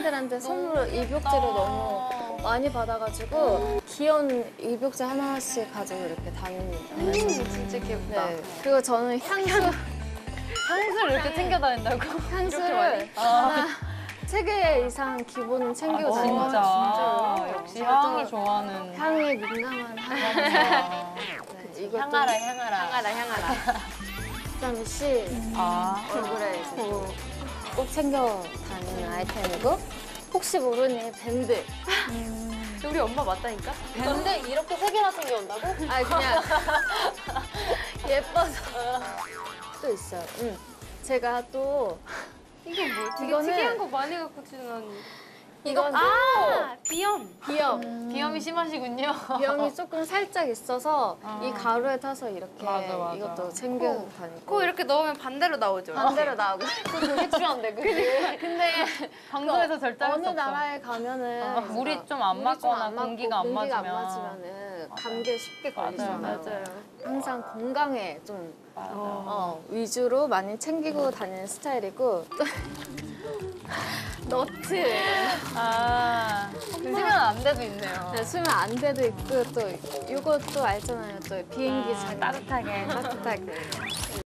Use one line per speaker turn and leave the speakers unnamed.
팬들한테 선물로 입욕제를 너무 많이 받아가지고 귀여운 입욕제 하나씩 가지고 이렇게 다닙니다.
진짜 귀엽다.
네. 그리고 저는
향수를 이렇게 챙겨 다닌다고?
향수를 하나 3개 이상 기본은 챙기고 다니는 것 같아요.
진짜요? 역시 향을 좋아하는.
향에 민감한 하나입니다. 네, 이것도
향아라.
비타민 C 얼굴에 이제 꼭 챙겨 다니는 아이템이고 혹시 모르니 밴드.
우리 엄마 맞다니까?
근데 이렇게 3개나 챙겨온다고?
아 그냥 예뻐서 또 있어요. 제가 또
이게 뭐 되게
이거는-
특이한 거 많이 갖고 치는 언니.
이건
비염.
비염.
비염이 심하시군요.
비염이 조금 살짝 있어서 이 가루에 타서 이렇게
맞아.
이것도 챙겨 다니고
코 이렇게 넣으면 반대로 나오죠.
반대로 나오고
그게 필요한데, 그게.
근데
방송에서 절대 할 수
어느
없어.
나라에 가면은
물이 좀 안 맞거나 공기가 안
공기가
맞으면.
맞으면은 감기에 쉽게 걸리잖아요.
맞아요.
항상 건강에 좀 위주로 많이 챙기고 다니는 스타일이고 너트
쓰면 안 돼도 있네요.
네, 수면 안대도 있고 또 이것도 알잖아요. 또 비행기 잘
따뜻하게.
따뜻하게